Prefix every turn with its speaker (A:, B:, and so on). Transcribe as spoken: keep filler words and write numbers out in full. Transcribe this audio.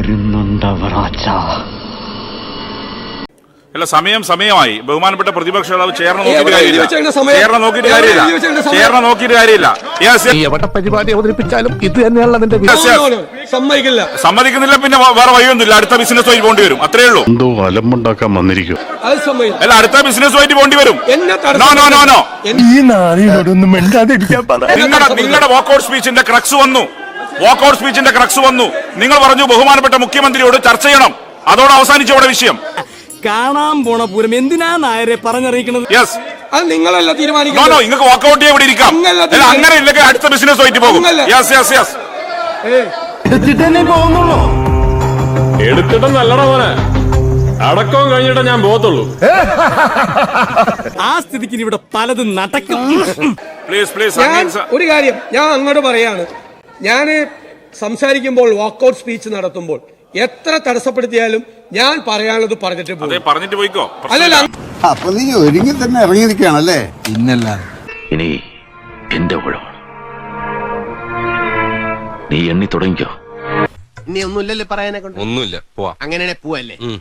A: വരുന്നുണ്ടവറാച്ച.
B: അല്ല, സമയം സമയമായി. ബഹുമാനപ്പെട്ട പ്രതിപക്ഷ നേതാവ് ചേർന്ന് നോക്കിയിട്ട് കാര്യമില്ല. ചേർന്ന് നോക്കിയിട്ട് കാര്യമില്ല. ചേർന്ന് നോക്കിയിട്ട് കാര്യമില്ല.
C: എവിടെ പരിപാടി അവതരിപ്പിച്ചാലും ഇത് തന്നെയാണല്ലോ അതിന്റെ
D: സമ്മതിക്കില്ല.
B: സമ്മതിക്കുന്നില്ല, പിന്നെ വേറെ വഴിയൊന്നുമില്ല. അടുത്ത ബിസിനസ് വഴി പോണ്ടി വരും. അത്രേ ഉള്ളൂ.
C: എന്തോ അലമ്പുണ്ടാക്കാൻ വന്നിരിക്കും.
B: അല്ല, അടുത്ത ബിസിനസ് വഴി പോണ്ടി വരും. നോ നോ നോ നോ
C: ഈ നാളിനോടൊന്നും മിണ്ടാതിരിക്കാൻ പറ.
B: നിങ്ങളുടെ നിങ്ങളുടെ വാക്കൌട്ട് സ്പീച്ചിന്റെ ക്രക്സ് വന്നു. വാക്കൌട്ട് സ്പീച്ചിന്റെ ക്രക്സ് വന്നു. നിങ്ങൾ പറഞ്ഞു ബഹുമാനപ്പെട്ട മുഖ്യമന്ത്രിയോട് ചർച്ച ചെയ്യണം. അതോടെ അവസാനിച്ചു അവിടെ വിഷയം.
E: കാണാൻ പോണ പൂരം എന്തിനാ നായരെ പറഞ്ഞറിയിക്കുന്നത്?
B: യെസ്,
D: അത് നിങ്ങളല്ല തീരുമാനിക്കുന്നത്.
B: നോ നോ നിങ്ങൾക്ക് വാക്കൌട്ട് ചെയ്യാൻ ഇവിടെ ഇരിക്കാം. അങ്ങനെ ഇല്ലെങ്കിൽ അടുത്ത ബിസിനസ് വൈറ്റ് പോകും. യെസ് യെസ് യെസ്
E: എടുത്തിട്ടേ പോകുന്നുള്ളൂ.
F: എടുത്തിട്ട് നല്ലടാ മോനെ, അടക്കം കഴിഞ്ഞിട്ടേ ഞാൻ പോകത്തുള്ളൂ.
E: ആ സ്ഥിതിക്ക് ഇവിടെ പലതും നടക്കും.
B: Please please.
D: ഞാൻ ഒരു കാര്യം ഞാൻ അങ്ങോട്ട് പറയാണ്. ഞാൻ സംസാരിക്കുമ്പോൾ വാക്കൌട്ട് സ്പീച്ച് നടത്തുമ്പോൾ എത്ര തടസ്സപ്പെടുത്തിയാലും ഞാൻ പറയാനുള്ളത് പറഞ്ഞിട്ട് പോകും.
B: പറഞ്ഞിട്ട് പോയിക്കോ.
D: അല്ലല്ല,
G: അപ്പൊ നീ ഒരുങ്ങി തന്നെ ഇറങ്ങിയിരിക്കുകയാണല്ലേ?
A: ഇന്നല്ല ഇനി എന്റെ ഊഴമാണ്. നീ എണ്ണി തുടങ്ങിക്കോ.
H: ഇനി ഒന്നുമില്ലല്ലേ പറയാനെ കൊണ്ട്?
F: ഒന്നുമില്ല, പോവാ.
H: അങ്ങനെ പോവല്ലേ?